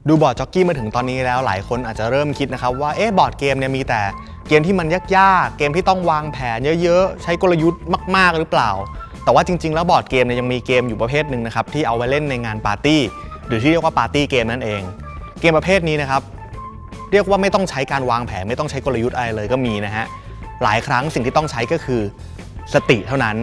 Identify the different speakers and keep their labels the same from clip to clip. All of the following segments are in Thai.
Speaker 1: ดูบอร์ดจ็อกกี้มาถึงตอนนี้แล้วหลายคนอาจจะเริ่มคิดนะครับว่าบอร์ดเกมเนี่ยมีแต่เกมที่มันยากๆเกมที่ต้องวางแผนเยอะๆใช้กลยุทธ์มากๆหรือเปล่าแต่ว่าจริงๆแล้วบอร์ดเกมเนี่ยยังมีเกมอยู่ประเภทหนึ่งนะครับที่เอาไว้เล่นในงานปาร์ตี้หรือที่เรียกว่าปาร์ตี้เกมนั่นเองเกมประเภทนี้นะครับเรียกว่าไม่ต้องใช้การวางแผนไม่ต้องใช้กลยุทธ์อะไรเลยก็มีนะฮะหลายครั้งสิ่งที่ต้องใช้ก็คือสติเท่านั้น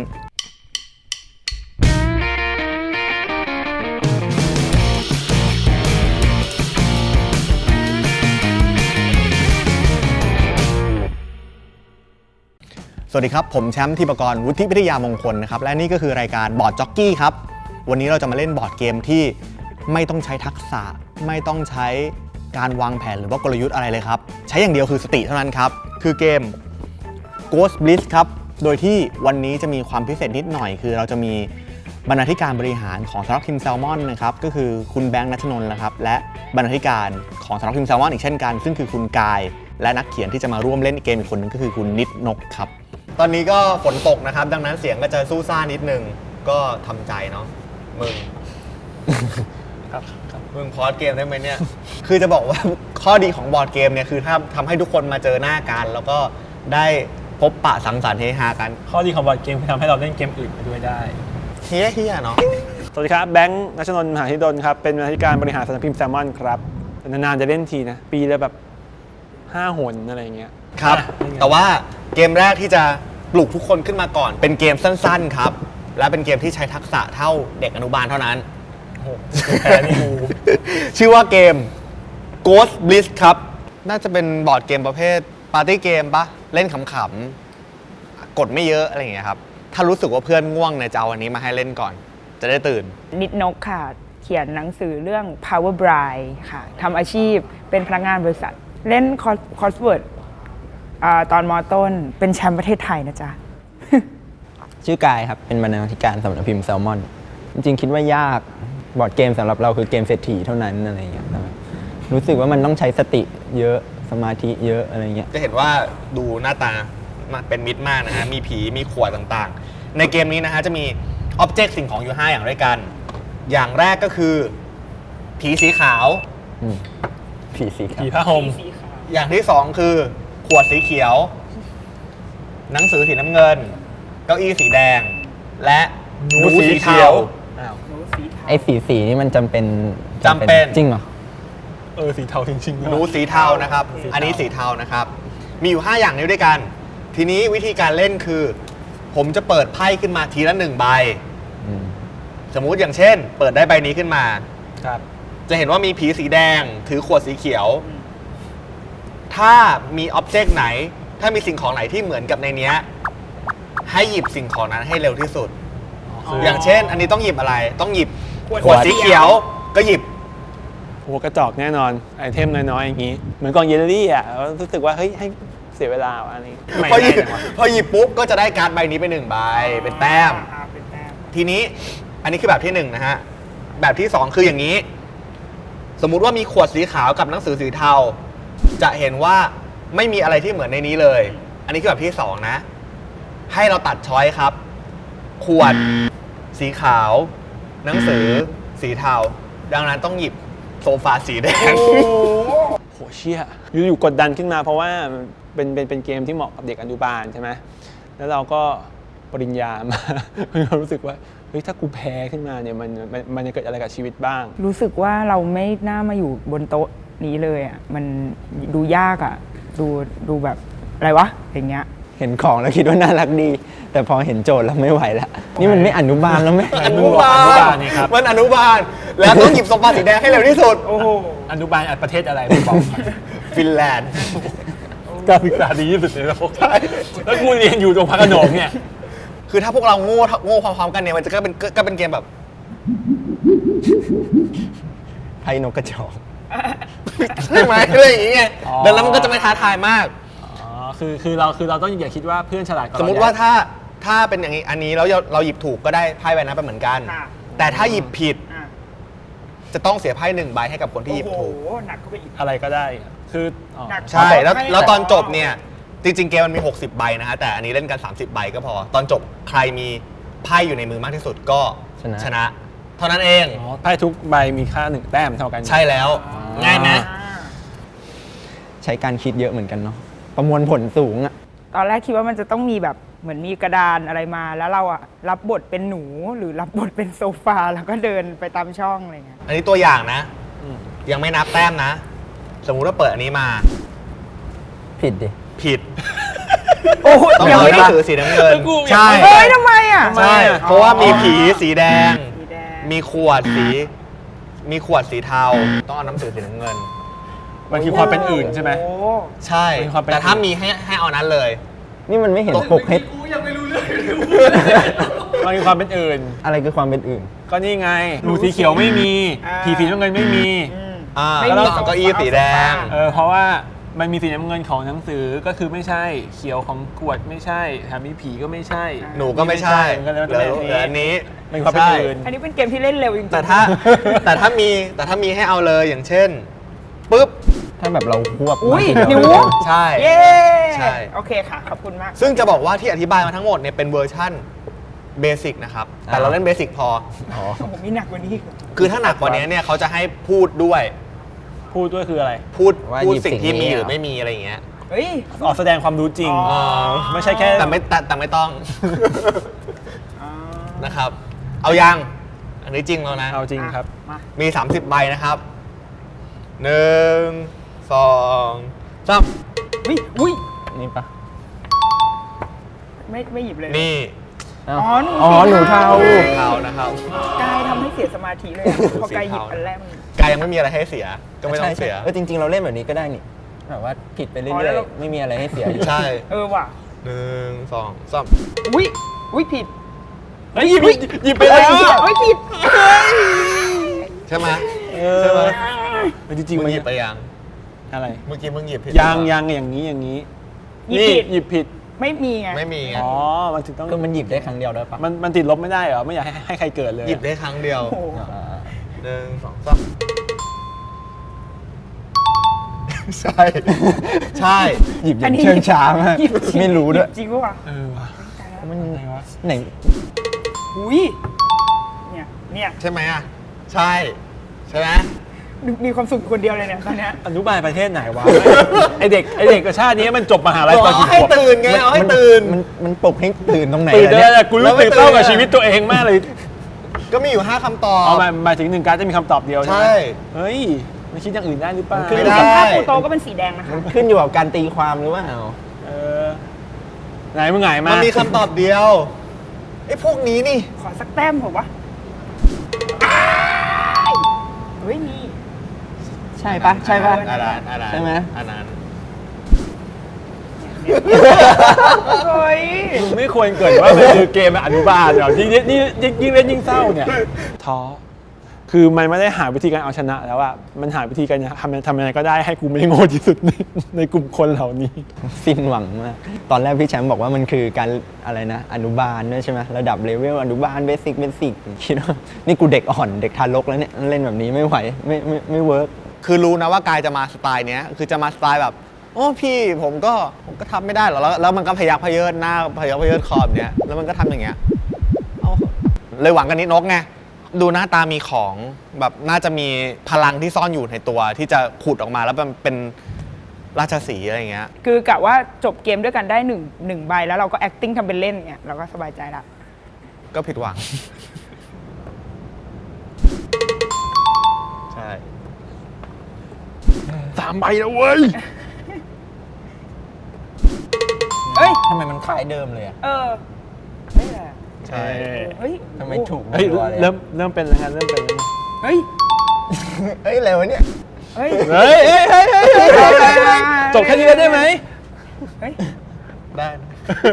Speaker 1: สวัสดีครับผมแชมป์ธีปกรณ์วุฒิวิทยามงคลนะครับและนี่ก็คือรายการบอร์ดจ็อกกี้ครับวันนี้เราจะมาเล่นบอร์ดเกมที่ไม่ต้องใช้ทักษะไม่ต้องใช้การวางแผนหรือว่ากลยุทธ์อะไรเลยครับใช้อย่างเดียวคือสติเท่านั้นครับคือเกม Ghost Blitz ครับโดยที่วันนี้จะมีความพิเศษนิดหน่อยคือเราจะมีบรรณาธิการบริหารของสำนักพิมพ์แซลมอนนะครับก็คือคุณแบงค์ณัฐนนท์นะครับและบรรณาธิการของสำนักพิมพ์แซลมอนอีกเช่นกันซึ่งคือคุณกายและนักเขียนที่จะมาร่วมเล่นเกมอีกคนนึงก็คือคุณนิดนกครับตอนนี้ก็ฝนตกนะครับดังนั้นเสียงก็จะสู้ซ่านิดนึงก็ทำใจเนาะมึงมึงพอดเกมได้ไหมเนี่ย คือจะบอกว่าข้อดีของบอร์ดเกมเนี่ยคือถ้าทำให้ทุกคนมาเจอหน้ากันแล้วก็ได้พบปะสังสรรค์เฮฮากัน
Speaker 2: ข้อดีของบอร์ดเกมคือทำให้เราเล่นเกมอื่นไปด้วยได้
Speaker 1: เฮียเนาะ
Speaker 2: สวัสดีครับแบงค์ณัฐนนท์ มหาธิดลครับเป็นบรรณาธิการบริหารสำนักพิมพ์แซลมอนครับนานๆจะเล่นทีนะปีละแบบ5 หนอะไรเงี้ย
Speaker 1: ครับแต่ว่าเกมแรกที่จะปลุกทุกคนขึ้นมาก่อนเป็นเกมสั้นๆครับและเป็นเกมที่ใช้ทักษะเท่าเด็กอนุบาลเท่านั้น
Speaker 2: แพ้นี่กู
Speaker 1: ชื่อว่าเกม Ghost Blitz ครับน่าจะเป็นบอร์ดเกมประเภทปาร์ตี้เกมปะเล่นขำๆกดไม่เยอะอะไรอย่างเงี้ยครับถ้ารู้สึกว่าเพื่อนง่วงเนี่ยจะเอาอันนี้มาให้เล่นก่อนจะได้ตื่น
Speaker 3: นิดนกค่ะเขียนหนังสือเรื่อง Power Bride ค่ะทำอาชีพเป็นพนักงานบริษัทเล่นคอร์สเวิร์ดตอนม.ต้นเป็นแชมป์ประเทศไทยนะจ๊ะ
Speaker 4: ชื่อกายครับเป็นบรรณาธิการสำนักพิมพ์แซลมอนจริงๆคิดว่ายากบอร์ดเกมสำหรับเราคือเกมเศรษฐีเท่านั้นอะไรอย่างเงี้ยรู้สึกว่ามันต้องใช้สติเยอะสมาธิเยอะอะไรเงี้ย
Speaker 1: จะเห็นว่าดูหน้าตาเป็นมิตรมากนะฮะมีผีมีขวดต่างๆในเกมนี้นะฮะจะมีอ็อบเจกต์สิ่งของอยู่5อย่างด้วยกันอย่างแรกก็คือผีสีขาว
Speaker 4: ผีสีขาว
Speaker 2: ผีผ้าห่ม
Speaker 1: อย่างที่2คือขวดสีเขียวหนังสือสีน้ำเงินเก้าอี้สีแดงและหนูสีเทา
Speaker 4: ไอ้สีนี่มันจำเป็นจริงเหรอ
Speaker 2: สีเทาจริงๆ
Speaker 1: หนูสีเทานะครับอันนี้สีเทานะครับมีอยู่5อย่างนี้ด้วยกันทีนี้วิธีการเล่นคือผมจะเปิดไพ่ขึ้นมาทีละ1 ใบสมมุติอย่างเช่นเปิดได้ใบนี้ขึ้นมา
Speaker 2: ครับ
Speaker 1: จะเห็นว่ามีผีสีแดงถือขวดสีเขียวถ้ามีอ็อบเจกต์ไหนถ้ามีสิ่งของไหนที่เหมือนกับในนี้ให้หยิบสิ่งของนั้นให้เร็วที่สุดอย่างเช่นอันนี้ต้องหยิบอะไรต้องหยิบขวดสีเขียวก็หยิบ
Speaker 2: หัวกระจอกแน่นอนไอเทมน้อยๆอย่างนี้เหมือนกองเยลลี่อ่ะรู้สึกว่าเฮ้ยให้เสียเวลาอันนี้
Speaker 1: พอหยิบปุ๊บก็จะได้การ์ดใบนี้ไป1 ใบเป็นแต้มทีนี้อันนี้คือแบบที่1นะฮะแบบที่2คืออย่างนี้สมมุติว่ามีขวดสีขาวกับหนังสือสีเทาจะเห็นว่าไม่มีอะไรที่เหมือนในนี้เลยอันนี้คือแบบที่2นะให้เราตัดช้อยครับขวดสีขาวหนังสือสีเทาดังนั้นต้องหยิบโซฟาสีแดง
Speaker 2: โหเชี่ยอยู่กดดันขึ้นมาเพราะว่าเป็นเกมที่เหมาะกับเด็กอนุบาลใช่ไหมแล้วเราก็ปริญญามารู้สึกว่าเฮ้ยถ้ากูแพ้ขึ้นมาเนี่ยมันจะเกิดอะไรกับชีวิตบ้าง
Speaker 3: รู้สึกว่าเราไม่น่ามาอยู่บนโต๊ะนี้เลยอ่ะมันดูยากอ่ะดูแบบอะไรวะอย่างเงี้ย
Speaker 4: เห็นของแล้วคิดว่าน่ารักดีแต่พอเห็นโจทย์แล้วไม่ไหวแล้วนี่มันไม่อนุบาลแล้วไหม
Speaker 1: อนุบาลนี่ครับมันอนุบาลแล้วต้องหยิบโซฟาสีแดงให้เร็วที่สุด
Speaker 2: โอ้โหอนุบาลประเทศอะไรไม่บอก
Speaker 1: ฟินแลนด์
Speaker 2: การศึกษาดีที่สุดในโลกใช่แล้วกูเรียนอยู่ตรงพระโขนงเนี่ย
Speaker 1: คือถ้าพวกเราโง่พร้อมๆกันเนี่ยมันจะก็เป็นเกมแบบ
Speaker 4: ไพ่นกกระจอก
Speaker 1: ใช่ไหมอะไรอย่างเงี้ยดังนั้นมันก็จะไม่ท้าทายมาก
Speaker 2: คือเราต้องอย่าคิดว่าเพื่อนฉลาดกว่า
Speaker 1: สมมติว่าถ้าเป็นอย่างนี้อันนี้แล้วเราหยิบถูกก็ได้ไพ่ใบนั้นไปเหมือนกันแต่ถ้าหยิบผิดจะต้องเสียไพ่1 ใบให้กับคนที่หยิบถูก
Speaker 3: หนักก็ไปอีก
Speaker 2: อะไรก็ได้คือ
Speaker 1: ใช่แล้วตอนจบเนี่ยจริงๆเกมมันมี60 ใบนะฮะแต่อันนี้เล่นกัน30 ใบก็พอตอนจบใครมีไพ่อยู่ในมือมากที่สุดก็ชนะเท่านั้นเอง
Speaker 2: ไพ่ทุกใบมีค่า1 แต้มเท่ากัน
Speaker 1: ใช่แล้วง่ายไหม
Speaker 4: ใช้การคิดเยอะเหมือนกันเนาะประมวลผลสูงอะ
Speaker 3: ตอนแรกคิดว่ามันจะต้องมีแบบเหมือนมีกระดานอะไรมา แล้วเราอะรับบทเป็นหนูหรือรับบทเป็นโซฟาแล้วก็เดินไปตามช่องอะไรเงี้ย
Speaker 1: อันนี้ตัวอย่างนะ ยังไม่นับแต้มนะ สมมุติว่าเปิดอันนี้มา
Speaker 4: ผิดดิ
Speaker 1: ผิด
Speaker 3: โอ้โห
Speaker 1: ต้อง
Speaker 3: ยัง
Speaker 1: เอา
Speaker 3: ไม่
Speaker 1: ห
Speaker 3: ได้
Speaker 1: นังสือสีน้ำเงิน ใช่
Speaker 3: เฮ้ยทำไมอะ
Speaker 1: ใช่ เพราะว่ามีผีสีแดง
Speaker 3: สีแดง
Speaker 1: มีขวดสีเทา ต้องเอาหนังสือสีน้ำเงิน
Speaker 2: มันคือความเป็นอื่นใช่ไหม
Speaker 3: โอ้
Speaker 1: ใช่
Speaker 2: มีความเป็น
Speaker 1: แต่ถ้ามีให้เอานั้นเลย
Speaker 4: นี่มันไม่เห็นปกให้
Speaker 2: มันคือความเป็นอื่น
Speaker 4: อะไรคือความเป็นอื่น
Speaker 2: ก็นี่ไงหนูสีเขียวไม่มี ผีสีน้ำเงินไม่มี
Speaker 3: ไม่
Speaker 1: แล้ว
Speaker 3: มี
Speaker 1: เอาเก้าอี้สีแดง
Speaker 2: เพราะว่ามันมีสีน้ำเงินของหนังสือก็คือไม่ใช่ เขียวของขวดไม่ใช่แถมมีผีก็ไม่ใช่
Speaker 1: หนูก็ไม่ใช่
Speaker 2: ก็เลย
Speaker 1: เหลืออันนี้
Speaker 2: เป็นความเป็นอื่น
Speaker 3: อันนี้เป็นเกมที่เล่นเร็วจริงๆ
Speaker 1: แต่ถ้ามีให้เอาเลยอย่างเช่นปุ๊บ
Speaker 4: ถ้าแบบเราควบ
Speaker 3: อุ้ย
Speaker 4: มาที
Speaker 3: หนู
Speaker 4: เดียว
Speaker 1: ใช่
Speaker 3: เย้
Speaker 1: ใช่
Speaker 3: โอเคค่ะ ขอบคุณมาก
Speaker 1: ซึ่งจะบอกว่าที่อธิบายมาทั้งหมดเนี่ยเป็นเวอร์ชั่นเบสิกนะครับ แต่เราเล่นเบสิกพอ
Speaker 4: อ๋อ
Speaker 3: โอ้โหมีหนักกว่านี้อีกเหรอ
Speaker 1: คือถ้าหนักกว่านี้เนี่ยเขาจะให้พูดด้วย
Speaker 2: พูดด้วยคืออะไร
Speaker 1: พูด
Speaker 4: ว่า
Speaker 1: พูด
Speaker 4: หยิบ
Speaker 1: สิ่งที่
Speaker 4: สิ่งนี้
Speaker 1: มีหรือ
Speaker 4: เหรอ
Speaker 1: ไม่มีอะไรอย่างเงี้ย
Speaker 3: เฮ้ย
Speaker 2: ออกแสดงความรู้จริง
Speaker 3: อ๋อ
Speaker 2: ไม่ใช่แค่
Speaker 1: แต่ไม่ต้อง นะครับ เอายัง อันนี้จริงแล้วนะ
Speaker 2: เอาจริงครับ
Speaker 3: มา
Speaker 1: มี 30 ใบนะครับ 1 2 3
Speaker 3: อุ้ย
Speaker 4: นี่ปะ
Speaker 3: ไม่หยิบเลย
Speaker 1: นี่
Speaker 4: อ้าว
Speaker 3: อ๋อหนู
Speaker 4: อ๋อ
Speaker 3: สี
Speaker 4: หนูเทา
Speaker 1: เทานะครับ
Speaker 3: กายทำให้เสียสมาธิเลยอะพอกายหยิบอันแรกมัน
Speaker 1: กายยังไม่มีอะไรให้เสีย ก็ไม่ต้องเสีย
Speaker 4: ใช่จริง ๆ เราเล่นแบบนี้ก็ได้นี่แบบว่าผิดไปเรื่
Speaker 3: อ๋อแล้
Speaker 4: อ
Speaker 3: วย เรา
Speaker 4: ๆไม่มีอะไรให้เสียอยู่
Speaker 1: ใช่
Speaker 3: ว่ะ
Speaker 1: 1 2 3
Speaker 3: อุ้ยผิด
Speaker 2: เฮ้ยหยิบไปแล้ว
Speaker 3: เฮ้ยผิด
Speaker 1: ใช่ไหม
Speaker 2: ใช่
Speaker 1: ใช่
Speaker 2: ไห
Speaker 1: ไห
Speaker 2: ม
Speaker 1: ม
Speaker 2: จริงๆ
Speaker 1: มึ
Speaker 2: มั
Speaker 1: ง
Speaker 2: น
Speaker 1: หยิบไปยัง
Speaker 2: อะไร
Speaker 1: เมื่อกี้มึงหยิบผิด
Speaker 2: ยังอย่างนี้อย่างนี้
Speaker 3: หยิบ
Speaker 2: นี่
Speaker 3: ผิด
Speaker 2: หยิบผิด
Speaker 3: ไม่มีไง
Speaker 1: ไม่มีไง
Speaker 2: อ๋อมันถึงต้อง
Speaker 4: คือมันหยิบได้ครั้งเดียวด้วยปะ
Speaker 2: มันติดลบไม่ได้เหรอไม่อยากให้ใครเกิดเลย
Speaker 1: หยิบได้ครั้งเดียว
Speaker 3: โอ้โห
Speaker 4: อ่า
Speaker 1: 1 2 3 ใช่ ใช่
Speaker 4: หยิบอย่างเชิงช้ามาก
Speaker 3: หยิบจง
Speaker 4: ไม่รู้ด้วย
Speaker 3: หยิบจริงปะวะ
Speaker 2: ว่ะ
Speaker 4: มัน
Speaker 2: อะไรวะ
Speaker 4: ไหน
Speaker 3: อุ้ยเนี่ย
Speaker 1: ใช่ไหมอ่ะ ใช่ ใช่ไหม
Speaker 3: มีความสุขคนเดียวเลยเนี่ยตอนเนี้ย
Speaker 2: อนุบาลประเทศไหนวะ ไอเด็กกับชาตินี้มันจบมหาลัยตอน
Speaker 1: เอา
Speaker 2: กี่
Speaker 1: ให้
Speaker 2: ขวบ
Speaker 1: ตื่นไง เอาให้ตื่น
Speaker 4: มันปลุกให้ตื่นตรงไหน
Speaker 2: ตื่น
Speaker 4: อะ
Speaker 2: ได้
Speaker 4: เนี่ย
Speaker 2: แต่กูรู้สึกเศร้ากับชีวิตตัวเองมากเลย
Speaker 1: ก็มีอยู่ 5คำตอบ
Speaker 2: เอาหมายถึงหนึ่งการดจะมีคำตอบเดียวใช่ไหม
Speaker 1: ใช่
Speaker 2: เฮ้ยไม่คิดอย่างอื่นได้หรือเปล่า
Speaker 4: ขึ้น
Speaker 1: ไม่ได้
Speaker 3: ส่วนภาพปูโตก็เป็นสีแดงนะคะ
Speaker 4: ขึ้นอยู่กับการตีความหรือว่า
Speaker 2: เออไหนมึงไหนมา
Speaker 1: มันมีคำตอบเดียวไอ้พวกนี้นี่
Speaker 3: ขอสักแต้มผมวะเฮ้ยมี
Speaker 4: ใช่ปะใช่ปะ
Speaker 1: อันนั้นอันนั้น
Speaker 4: ใช่ไหม
Speaker 1: อันนั้น
Speaker 3: เฮ้ย
Speaker 2: มึงไม่ควรเกิดว่ามันคือเกมอนุบาลเหรอยิ่งเล่นยิ่งเศร้าเนี่ยท้อคือมันไม่ได้หาวิธีการเอาชนะแล้วอะมันหาวิธีการทำยังไงก็ได้ให้กูไม่โง่ที่สุดในกลุ่มคนเหล่านี้
Speaker 4: สิ้นหวังมาก ตอนแรกพี่แชมป์บอกว่ามันคือการอะไรนะ อนุบาลด้วยใช่ไหมระดับเลเวลอนุบาลเบสิกคิดว่านี่กูเด็กอ่อนเด็กทารกแล้วเนี่ยเล่นแบบนี้ไม่ไหวไม่เวิร์ก
Speaker 1: คือรู้นะว่ากายจะมาสไตล์เนี้ย คือจะมาสไตล์แบบ โอ้พี่ผมก็ทำไม่ได้หรอกแล้วมันก็พยักพเยิดหน้าพยักพเยิดคอแบบเนี้ย แล้วมันก็ทำอย่างเงี้ยเอาเลยหวังกันนิดนกไง ดูหน้าตามีของแบบน่าจะมีพลังที่ซ่อนอยู่ในตัวที่จะขุดออกมาแล้วมันเป็นราชสีห์อะไรอย่างเงี้ย
Speaker 3: คือกะว่าจบเกมด้วยกันได้หนึ่งใบแล้วเราก็ acting ทำเป็นเล่นเนี่ยเราก็สบายใจละ
Speaker 1: ก็ผิดหวัง ใช่
Speaker 2: 3 ใบแล้วเว้ย
Speaker 3: เอ้ย
Speaker 4: ทำไมมันคล้ายเดิมเลยอะ
Speaker 3: ไม่แหละ
Speaker 1: ใช่
Speaker 3: เฮ้ย
Speaker 4: ทำไมถูก
Speaker 2: เฮ้ย
Speaker 4: รัวๆลย
Speaker 2: เริ่มเป็นแล้วไงเริ่มเป็นแล้วไง
Speaker 3: เฮ้ย
Speaker 4: เฮ้ยอะไรวะเนี่ย
Speaker 3: เฮ้ย
Speaker 2: เฮ้ยจบแค่นี้แล้วได้ไหม
Speaker 3: เฮ้ย
Speaker 1: ได้นะ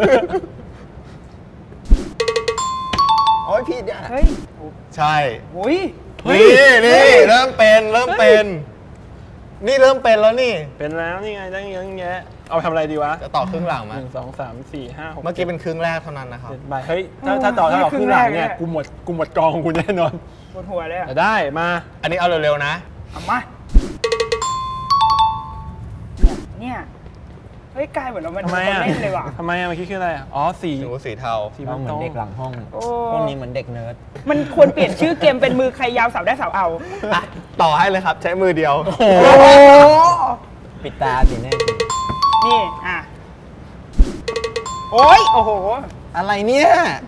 Speaker 4: โอ้ยพี่เนี่ย
Speaker 3: เฮ้ย
Speaker 1: ใช่
Speaker 3: โอ้ย
Speaker 1: นี่เริ่มเป็น นี่เริ่มเป็นแล้วนี่
Speaker 2: เป็นแล้วนี่ไงตั้งเยอะแยะเอาไปทำอะไรดีวะ
Speaker 1: จะต่อครึ่งหลังไหม
Speaker 2: 1 2 3 4 5 6
Speaker 1: เมื่อกี้เป็นครึ่งแรกเท่านั้นนะครับ
Speaker 2: 7 ใบเฮ้ยถ้าต่อครึ่งหลังเนี่ยกูหมดกองของกูแน่นอน
Speaker 3: ปวดหัวเลยอะ
Speaker 2: แต่ได้มา
Speaker 1: อันนี้เอาเร็วๆนะ
Speaker 3: เอามาเนี่ยเฮ้ยกลายเหมือนเรามัน
Speaker 2: ทำไมอ่ะ
Speaker 3: เล่นเลยว่ะ
Speaker 2: ทำไมอ่ะเมื่อกี้คืออะไรอ่ะอ๋อสี
Speaker 1: หนูสีเทา
Speaker 2: สี
Speaker 4: เราเหมือนเด็กหลังห้อง
Speaker 3: โอ้
Speaker 4: พวกนี้เหมือนเด็กเนิร์ด
Speaker 3: มันควรเปลี่ยนชื่อเกมเป็นมือใครยาวเสาได้เสาเอา
Speaker 1: อ่ะต่อให้เลยครับใช้มือเดียว
Speaker 3: โอ้
Speaker 4: ปิดตาสีแน่
Speaker 3: นี่อ่ะโอ้ยโอ้โห
Speaker 1: อะไรเนี่ย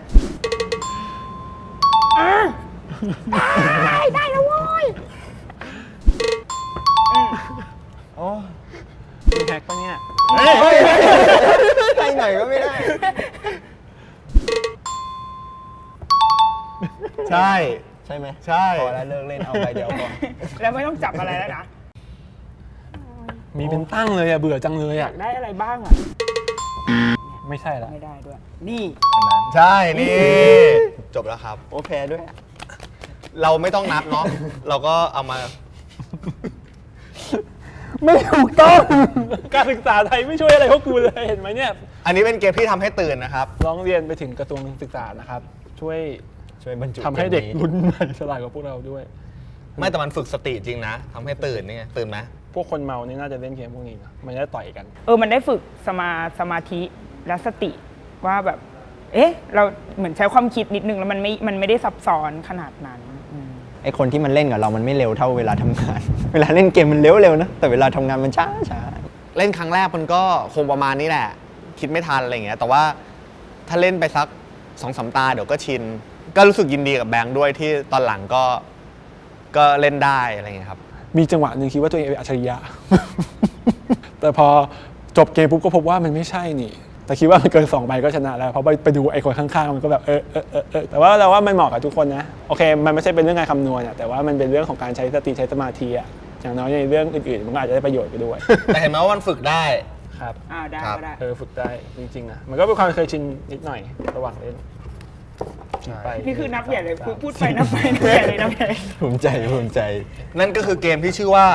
Speaker 3: ได้แล้วโว้ย
Speaker 4: โอ้
Speaker 2: มีแฮกปะเนี่ย
Speaker 4: ไปไหนก็ไม่ได้
Speaker 1: ใช่
Speaker 4: ใช่ไหม
Speaker 1: ใช่
Speaker 4: พอแล้วเลิกเล่นเอาใบเดียวพอ
Speaker 3: แล้วไม่ต้องจับอะไรแล้วนะ
Speaker 2: มีเป็นตั้งเลยอ่ะเบื่อจังเลย
Speaker 3: อยา
Speaker 2: อ่ะ
Speaker 3: กได้อะไรบ้างอ่ะ
Speaker 2: ไม่ใช่ละ
Speaker 3: ไม่ได้ด้วย นี่
Speaker 1: ใช่นี่ จบแล้วครับ
Speaker 4: โอ้แพ้ด้วย
Speaker 1: เราไม่ต้องนับเนาะเราก็เอามา
Speaker 2: ไม่ถูกต้อง การศึกษาไทยไม่ช่วยอะไรพวกกูเลยเห็นไหมเนี่ย
Speaker 1: อันนี้เป็นเกมที่ทำให้ตื่นนะครับ
Speaker 2: ร้องเรียนไปถึงกระทรวงศึกษานะครับ ช่วย
Speaker 4: ช่วยบรรจุ
Speaker 2: ทำให้เด็ก
Speaker 4: กมนี้
Speaker 2: รุ่นใหม่ฉลาดกว่าพวกเราด้วย
Speaker 1: ไม่แต่มันฝึกสติจริงนะทำให้ตื่นนี่ไงตื่นไหม
Speaker 2: พวกคนเมานี่น่าจะเล่นเกมพวกนี้นะมันจะต่อยกัน
Speaker 3: มันได้ฝึกสมาธิและสติว่าแบบ เราเหมือนใช้ความคิดนิดนึงแล้วมันไม่ได้ซับซ้อนขนาดนั้น
Speaker 4: ไอคนที่มันเล่นกับเรามันไม่เร็วเท่าเวลาทำงาน เวลาเล่นเกมมันเร็วๆนะ แต่เวลาทำงานมันช้า
Speaker 1: เล่นครั้งแรกมันก็คงประมาณนี้แหละ คิดไม่ทันอะไรอย่างเงี้ยแต่ว่าถ้าเล่นไปสัก2-3 ตาเดี๋ยวก็ชิน ก็รู้สึกยินดีกับแบงค์ด้วยที่ตอนหลังก็เล่นได้อะไรอย่างเงี้ยครับ
Speaker 2: มีจังหวะหนึ่งคิดว่าตัวเองเป็นอัจฉริยะ แต่พอจบเกมปุ๊บก็พบว่ามันไม่ใช่นี่ แต่คิดว่ามันเกิน2 ใบก็ชนะแล้วเพราะไปดูไอ้คนข้างๆมันก็แบบแต่ว่าเราว่ามันเหมาะกับทุกคนนะโอเคมันไม่ใช่เป็นเรื่องการคำนวณอะแต่ว่ามันเป็นเรื่องของการใช้สติใช้สมาธิอะอย่างน้อยในเรื่องอื่นๆมันก็อาจจะได้ประโยชน์ไปด้วย
Speaker 1: แต่เห็นไหมว่ามันฝึกได้
Speaker 2: ครับ
Speaker 3: ได้
Speaker 1: ครับ
Speaker 3: ก็ได้
Speaker 2: ฝึกได้จริงๆนะมันก็เป็นความเคยชินนิดหน่อยระหว่างเล่นไป
Speaker 3: นี่คือนับใหญ่เลยพูดไปนับไปนับใหญ่เลยนับใหญ่
Speaker 4: ๆ ภูมิใจ
Speaker 1: นั่นก็คือเกมที่ชื่อว่า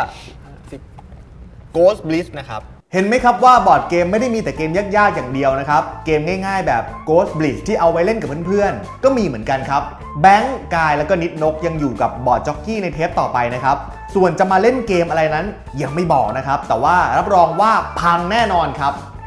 Speaker 1: Ghost Bliss นะครับ เห็นไหมครับว่าบอร์ดเกมไม่ได้มีแต่เกมยากๆอย่างเดียวนะครับ เกมง่ายๆแบบ Ghost Bliss ที่เอาไว้เล่นกับเพื่อนๆ ก็มีเหมือนกันครับ แบงค์กายแล้วก็นิดนกยังอยู่กับบอร์ดจ็อกกี้ในเทปต่อไปนะครับ ส่วนจะมาเล่นเกมอะไรนั้นยังไม่บอกนะครับ แต่ว่ารับรองว่าพังแน่นอนครับ